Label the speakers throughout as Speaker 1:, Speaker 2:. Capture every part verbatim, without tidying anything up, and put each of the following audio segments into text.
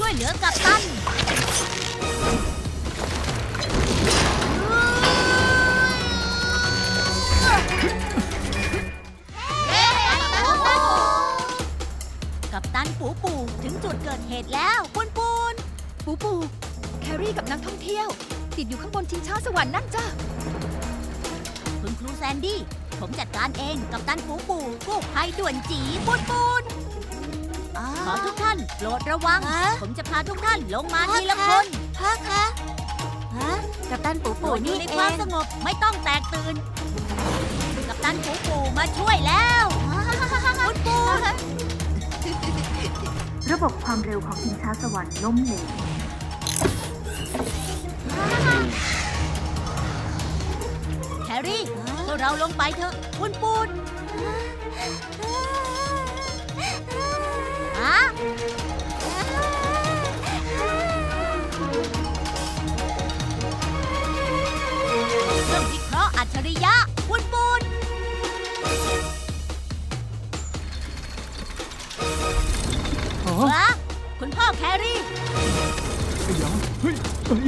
Speaker 1: วยเหลือกัปตันกัปตันปูปูถึงจุดเกิดเหตุแล้วปูนปูน
Speaker 2: ปูปูแครี่กับนักท่องเที่ยว ติดอยู่ข้างบนชิงช้าสวรรค์นั่นจ้ะ
Speaker 1: คุณครูแซนดี้ผมจัดการเองกัปตันปูปูกู้ภัยด่วนจีปูนปูนขอทุกท่านโปรดระวัง ผมจะพาทุกท่านลงมาทีละคนพ่อคะฮะกัปตันปูปูนี่ในความสงบไม่ต้องแตกตื่นกัปตันปูปูมาช่วยแล้วปูนปูน
Speaker 3: ระบบความเร็วของชิงช้าสวรรค์ล้มเหลว
Speaker 1: แครี่พวกเราลงไปเถอะปูนปูนฮะเครื่องวิเคราะห์อัจฉริยะปูนปูนวะคุณพ่อแครี่
Speaker 4: ไอ้ยาเฮ้ยเอ้ย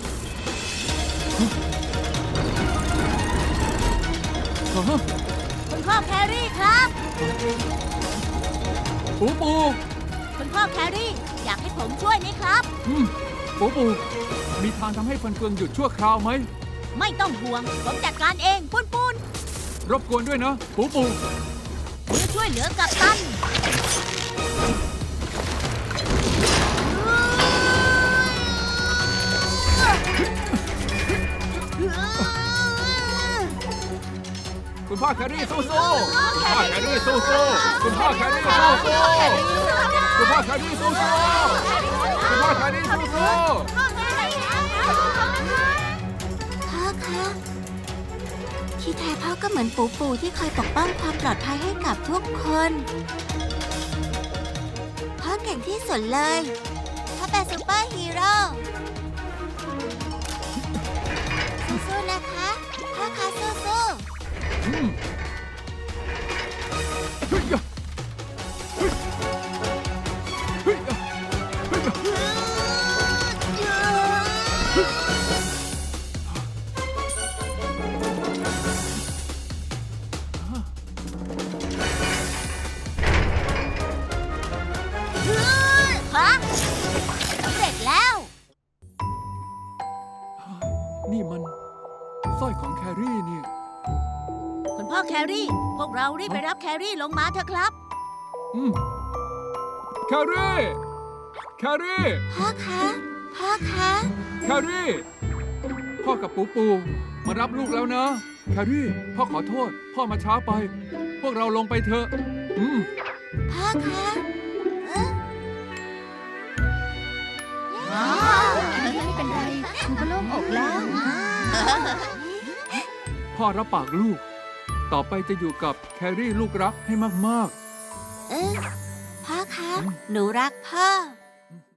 Speaker 4: ฮะ
Speaker 1: คุณพ่อแครี่ครับ
Speaker 4: ปูปู
Speaker 1: คุณพ่อแครี่อยากให้ผมช่วยไหมครับ
Speaker 4: อืมปูปูมีทางทำให้ฟันเฟืองหยุดชั่วคราวไหม
Speaker 1: ไม่ต้องห่วงผมจัดการเองปูนปูน
Speaker 4: รบกวนด้วยนะปูปู
Speaker 1: ผมจะช่วยเหลือกัปตัน
Speaker 4: คุณพ่อแครี่สู้สู้คุณพ่อแครี่สู้สู้คุณพ่อแครี่สู้สู้คุณพ่อแครี่สู้สู้คุณพ่อแครี่สู้สู้
Speaker 3: พ่อคะที่แท้พ่อก็เหมือนปูปูที่คอยปกป้องความปลอดภัยให้กับทุกคนพ่อเก่งที่สุดเลยพ่อเป็นซูเปอร์ฮีโร่สู้ๆนะคะพ่อคะสู้ๆ
Speaker 4: อืมเฮ้ยยะเฮ้ยเฮ้ยยะเฮ้ยยะ
Speaker 1: ฮะสำเร็จแล้ว
Speaker 4: นี่มันสร้อยของแครี่นี่
Speaker 1: คุณพ่อแครี่ พวกเรารีบไปรับแครี่ลงมาเถอะครับ
Speaker 4: อืมแครี่ แครี่
Speaker 3: พ่อคะ พ่อคะ
Speaker 4: แครี่ พ่อกับปูปูมารับลูกแล้วนะ แครี่ พ่อขอโทษ พ่อมาช้าไป พวกเราลงไปเถอะ อืม
Speaker 3: พ่อคะเอ๊ะ
Speaker 2: ไม่เป็นไรครูก็โล่งอกแล้ว
Speaker 4: พ่อรับปากลูก ต่อไปจะอยู่กับแครี่ลูกรักให้มาก
Speaker 3: เอ๊ะพ่อคะ หนูรักพ่อ